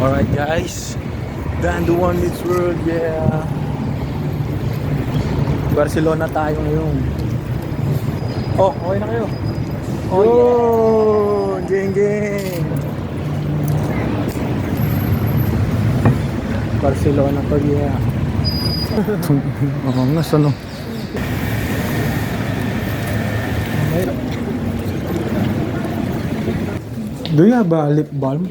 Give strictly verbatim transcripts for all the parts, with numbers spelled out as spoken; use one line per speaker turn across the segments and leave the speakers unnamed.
Alright guys, Dan the One Meets World, yeah. Barcelona tayo ngayon. Oh, okay na kayo? Oh, yeah. Geng geng. Barcelona to, yeah. Mamangas ano. Do you have a lip balm?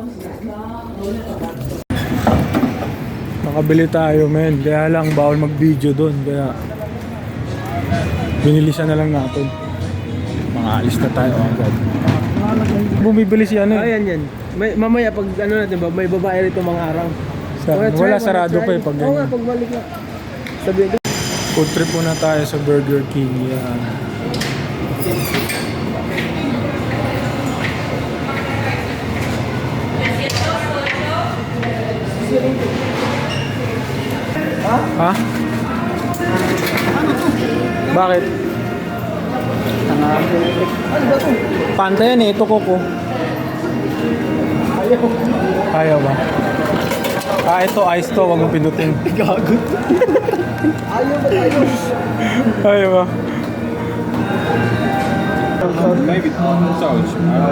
Nakabili tayo, men. Kaya lang bawal mag-video doon. Kaya binilisan na lang natin. Mga alis na tayo agad. Bumibili siya ano eh.
Ayan yan. May, mamaya pag ano natin ba, may babae rito mga araw.
Sa,
Wanna
wala
try,
sarado
wanna
pa
try?
eh pag
Oo nga,
ganyan.
pagbalik na. Sabihin ko.
Food trip muna tayo sa Burger King. Yan. Ha? Bakit?
Ano ba ito?
Panta yan eh, ito Coco.
Ayaw.
Ayaw ba? Ah, ito ice to, wag mong pinutin.
Gagot. Ayaw ba tayo?
Ayaw ba?
Maybe touch.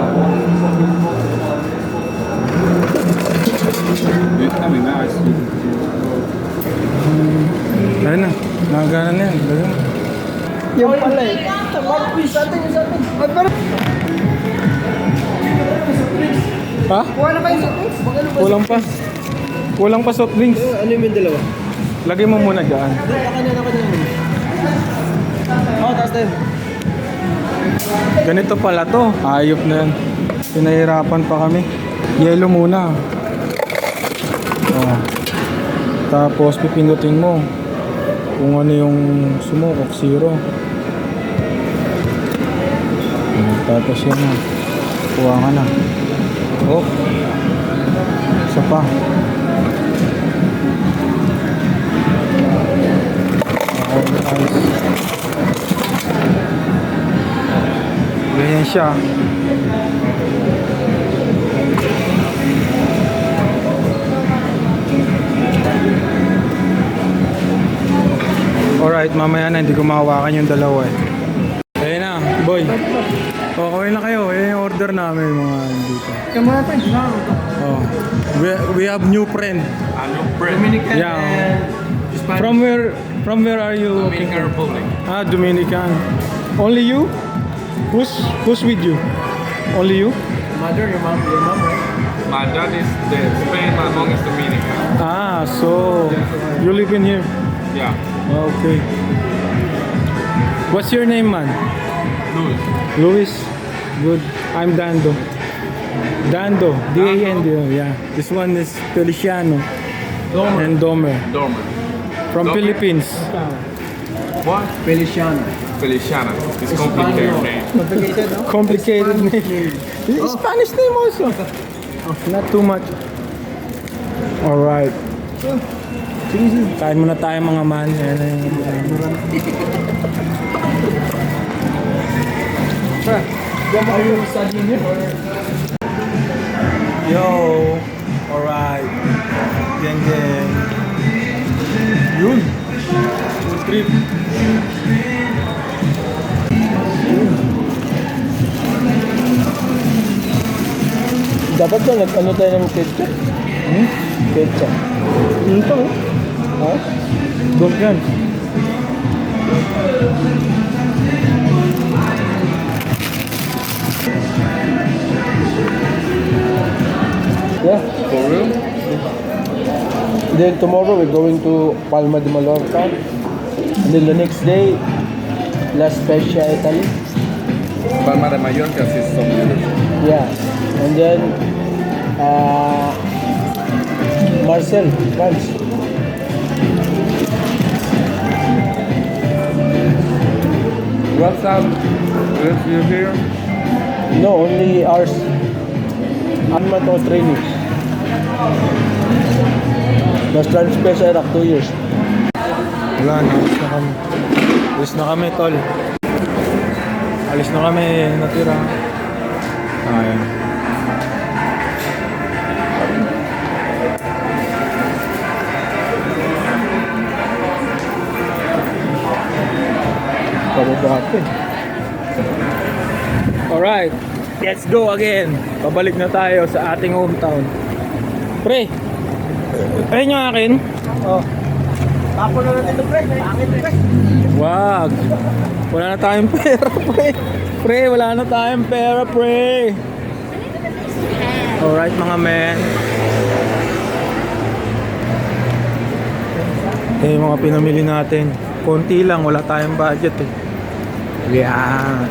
I mean, nice.
Ayun na, nagana na yan. Lagyan mo.
Yung pala eh. Mag-quiz natin yung sa atin. Mag-
Ha?
Kuha na kayo sa quiz? Mag-ano ba?
Kulang pa. Kulang pa soft drinks.
Ano yung may dalawa?
Lagay mo muna dyan.
Doon, naka na, naka na. Oo, taas tayo.
Ganito pala to. Ayop na yan. Pinahirapan pa kami. Yellow muna. Oh. Tapos pipindutin mo kung ano yung sumukok, zero. Oh, tapos yan na. Kuha ka na. Oh. Isa pa. Oh, nice. Ganyan siya. Alright, mamaya na, hindi ko mahawakan yung dalawa eh. Ayun na, boy. O, kawin na kayo. Ayun yung order namin mga dito.
Kaya muna tayo.
Oh. We, we have new friend.
Ano, bread.
Dominican
Yeah.
and Spanish.
From where From where are you?
Dominican Republic.
Ah, Dominican. Only you? Who's Who's with you? Only you?
Mother, your mom, your mom, right?
My dad is the Spain, my mom is Dominican.
Ah, so you live in here?
Yeah.
Okay. What's your name, man?
Louis.
Luis. Good. I'm Dando. Dando. D A N D O. Yeah. This one is Feliciano
Domer.
and Domer
Dormer.
from
Domer?
Philippines.
What?
Feliciano.
Feliciana. It's complicated name.
Complicated, no?
Complicated name. Spanish name also. Not too much. Alright. Sige, sige. Kain muna tayo mga man. Ayan na yung...
Sir, are you studying here or?
Yo! Alright. Geng geng. Yun. Food trip.
Dapat ba nag-ano tayo ng ketchup?
Hmm?
Ketchup.
Ito.
Ha?
Don't yan.
Yeah.
For real?
Then tomorrow we're going to Palma de Mallorca. And then the next day, La Spezia, Italy.
Palma de Mallorca is so beautiful.
Yeah. And then uh, Marseille, France.
What's up? Is you here?
No, only ours. One month of training. Mas transfer sa Iraq, two years.
Wala na. Alis na kami. Alis na kami, tol. Alis na kami. Natira. Ayan. Alright, let's go again. Pabalik na tayo sa ating hometown. Pre, ayun yung akin.
Oh. Tapon na natin ito, pre. Akin, pre.
Wag. Wala na tayong pera, pre. Pre, wala na tayong pera, pre. Alright, mga men. Eh, mga pinamili natin. Konti lang, wala tayong budget eh. Yeah.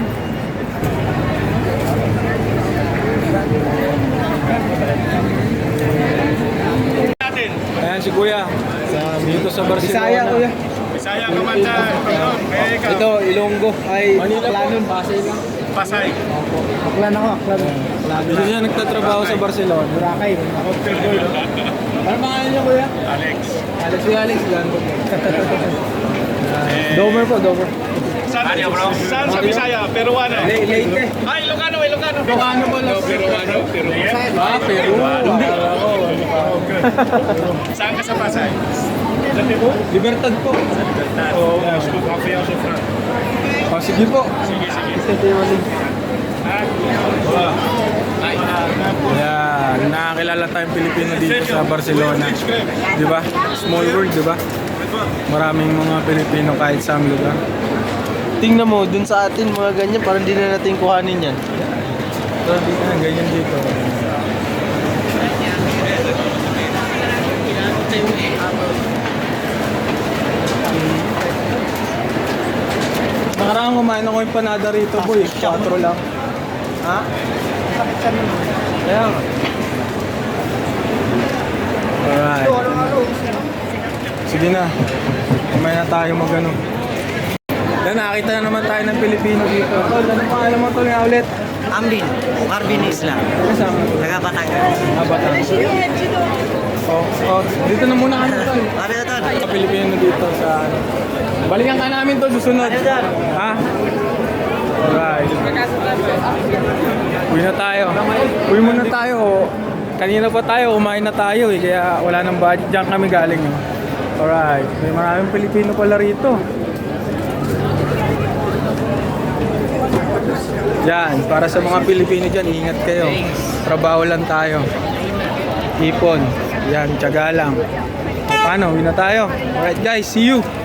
Ayan si Kuya. Sa, dito sa Barcelona.
Bisaya, kuya.
Bisaya Kamanda, pardon, may ikaw.
Ito, Ilonggo. Ay,
Manila po.
Aklanon. Pasay lang.
Pasay.
Aklan ako, Aklan.
Dito siya nagtatrabaho sa Barcelona.
Boracay. Ako, Pedro. Ano pangalan niyo, kuya?
Alex.
Alex, kuya Alex. Gando. Domer po, Domer.
Saan, saan sa Bisaya? Peruano.
Le- Leyte.
Ay, Ilocano, Ilocano.
Ilocano po lang.
Peruano, Peruano.
Ah, Peru. Hindi.
Saan ka sa Pasay?
Libertad po.
Oo, scoop coffee also from.
Oh, sige po.
Sige, sige.
Yan, nakakilala tayong Pilipino dito sa Barcelona. Di ba? Small world, di ba? Maraming mga Pilipino kahit sa lugar.
Tingnan mo, dun sa atin, mga ganyan, parang di na natin kuhanin yan.
So, di na, ganyan dito. Nakaraan kumain ako yung panada rito, boy. Quattro lang.
Ha?
Kaya nga. Alright. Sige na. Kumain na tayo mag-ano. Yan, nakakita na naman tayo ng Pilipino dito. Tol, ano pangalan mo tol nga ulit?
Amrin, Marvin Islam,
Kasama.
taga Batangas.
Ah, Batangas. Oh, oh, dito na muna kami tol.
Sabi na tol,
Mga Pilipino dito sa ano. Balikan ka namin to susunod. Ha? Alright. Uwi na tayo. Uwi muna tayo. Kanina pa tayo, kumain na tayo eh. Kaya wala nang budget. Diyan kami galing. Eh. Alright. May maraming Pilipino pala rito. Yan, para sa mga Pilipino dyan, ingat kayo. Trabaho lang tayo. Ipon. Yan, tiyaga lang. O, paano? Uwi na tayo. Alright guys, see you!